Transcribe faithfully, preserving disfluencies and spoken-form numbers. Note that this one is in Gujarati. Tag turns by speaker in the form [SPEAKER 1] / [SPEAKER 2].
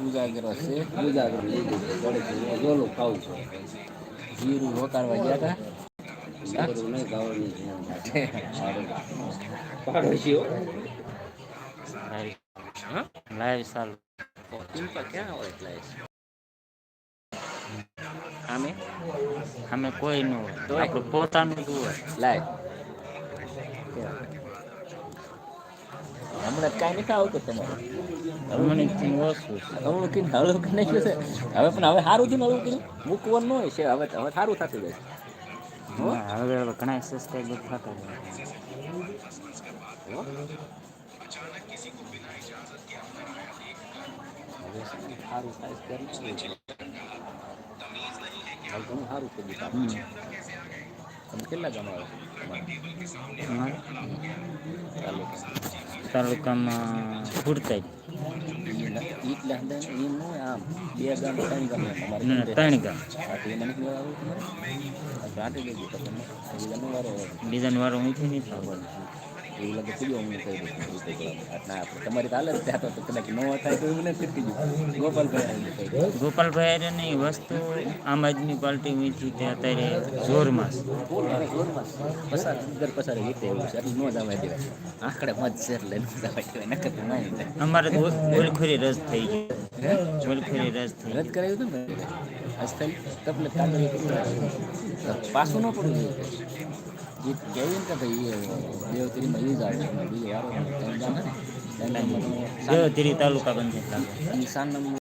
[SPEAKER 1] ઉજાગરો છે.
[SPEAKER 2] ઉજાગરો લીધું છે ઘડીક ગોલું ખાવું છે.
[SPEAKER 1] જીરું રોકાણવા ગયા તા
[SPEAKER 2] જીરું નહીં ગાવાની છે
[SPEAKER 1] હા?
[SPEAKER 2] પાડોશીઓ
[SPEAKER 1] લાઈવ ચાલુ ઇનકા ક્યાં હોય એટલે
[SPEAKER 2] આમે
[SPEAKER 1] અમે કોઈ ન હોય
[SPEAKER 2] તોય
[SPEAKER 1] આપડું પોતાનું જ હોય.
[SPEAKER 2] લાય
[SPEAKER 1] હમણાં કઈ નથી આવતું તમારે
[SPEAKER 2] મને
[SPEAKER 1] ઓછું છે. હવે પણ હવે સારું થયું ને હવે મૂકવાનું ન હોય છે હવે હવે સારું થતું જાય.
[SPEAKER 2] ના હવે હવે ઘણા સબસ્ક્રાઈબર થતા
[SPEAKER 1] હો સારું થાય ઘણું સારું થઈ ગયું
[SPEAKER 2] હમ
[SPEAKER 1] તમે કેટલા જણા
[SPEAKER 2] અમારે
[SPEAKER 1] ચાલો
[SPEAKER 2] તાલુકામાં ફૂરતાઈ
[SPEAKER 1] આમ બે ગામ ત્રણ ગામ તમારે કેમ
[SPEAKER 2] ના
[SPEAKER 1] બે
[SPEAKER 2] ત્રણ ગામ બીજાનો વારો અહીંથી નહીં થવાનો
[SPEAKER 1] એવું લાગે પૂ હું કહી ના તમારી હાલત ત્યાં તો કદાચ ન થાય તો એવું નથી ગયું ગોપાલભાઈ
[SPEAKER 2] ગોપાલભાઈ ની વસ્તુ આમ આદમી પાર્ટી મીથી તે અત્યારે જોરમાં
[SPEAKER 1] પસાર દર પસાર રીતે એવું છે એટલું ન જવા દેવાય આંકડે મત છે એટલે ન જવા દેવાય નકર તો ના જાય.
[SPEAKER 2] અમારે તો ઓલખોરી રસ થઈ
[SPEAKER 1] હે
[SPEAKER 2] ગઈ ઓલખોરી રસ થઈ
[SPEAKER 1] રદ
[SPEAKER 2] ગઈ.
[SPEAKER 1] કરાયું હતું ને આજકાલ તબલે પાછું ન પડવું જોઈએ એ કહેવું ને કે ભાઈ દેવતરીમાં એ જ આવે બીજો વારો ને
[SPEAKER 2] દેવધીરી તાલુકા પંચાયત લાગે.
[SPEAKER 1] નિશાન